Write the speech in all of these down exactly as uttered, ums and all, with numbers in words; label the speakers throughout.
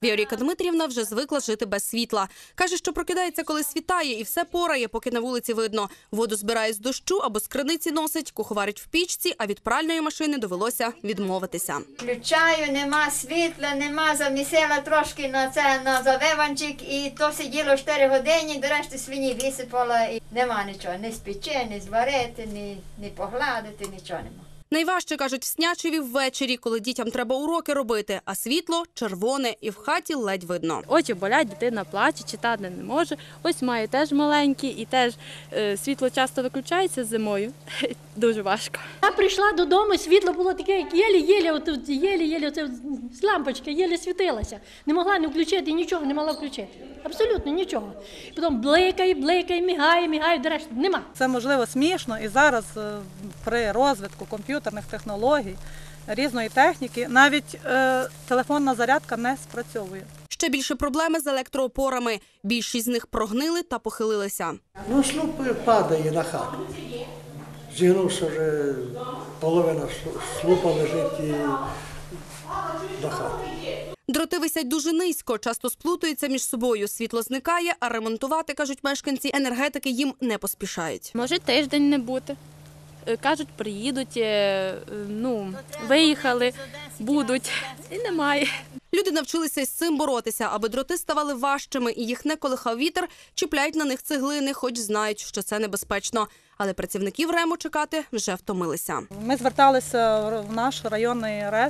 Speaker 1: Віоріка Дмитрівна вже звикла жити без світла. Каже, що прокидається, коли світає, і все порає, поки на вулиці видно. Воду збирає з дощу або з криниці носить, куховарить в пічці, а від пральної машини довелося відмовитися.
Speaker 2: Включаю, нема світла, нема, замісила трошки на це, на завиванчик, і то сиділо чотири години, до решти свині висипала, і нема нічого, ні спече, ні зварити, ні, ні погладити, нічого нема.
Speaker 1: Найважче, кажуть, в Снячеві ввечері, коли дітям треба уроки робити, а світло червоне і в хаті ледь видно.
Speaker 3: Очі болять, дитина плаче, читати не може. Ось маю теж маленький і теж е, світло часто виключається зимою. Дуже важко.
Speaker 4: Я прийшла додому, світло було таке, як єлі-єлі, от єлі-єлі, оце з лампочки, єлі світилася. Не могла не включити, нічого не могла включити. Абсолютно нічого. Потім бликає, бликає, мігає, мігає, до решти нема.
Speaker 5: Це, можливо, смішно, і зараз при розвитку комп'ютерних технологій, різної техніки, навіть е, телефонна зарядка не спрацьовує.
Speaker 1: Ще більше проблеми з електроопорами. Більшість з них прогнили та похилилися.
Speaker 6: Ну, слуп падає на хату. Зігнувся вже, половина слупа лежить і до хати.
Speaker 1: Дроти висять дуже низько, часто сплутуються між собою. Світло зникає, а ремонтувати, кажуть мешканці, енергетики їм не поспішають.
Speaker 3: Може тиждень не бути. Кажуть, приїдуть, ну, виїхали, будуть, і немає.
Speaker 1: Люди навчилися із цим боротися, аби дроти ставали важчими і їх не колихав вітер, чіпляють на них цеглини, хоч знають, що це небезпечно. Але працівників РЕМу чекати вже втомилися.
Speaker 5: Ми зверталися в наш районний РЕС,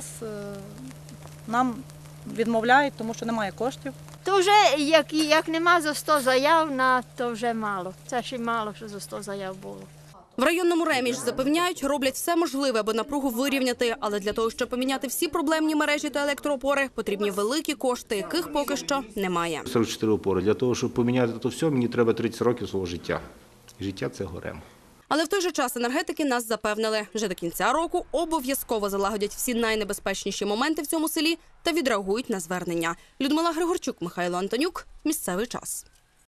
Speaker 5: нам відмовляють, тому що немає коштів.
Speaker 2: То вже, як, як нема за сто заяв, на, то вже мало. Це ще мало, що за сто заяв було.
Speaker 1: В районному РЕМі ж запевняють, роблять все можливе, аби напругу вирівняти. Але для того, щоб поміняти всі проблемні мережі та електроопори, потрібні великі кошти, яких поки що немає.
Speaker 7: сорок чотири опори. Для того, щоб поміняти це все, мені треба тридцять років свого життя. І життя – це РЕМ.
Speaker 1: Але в той же час енергетики нас запевнили, вже до кінця року обов'язково залагодять всі найнебезпечніші моменти в цьому селі та відреагують на звернення. Людмила Григорчук, Михайло Антонюк. Місцевий час.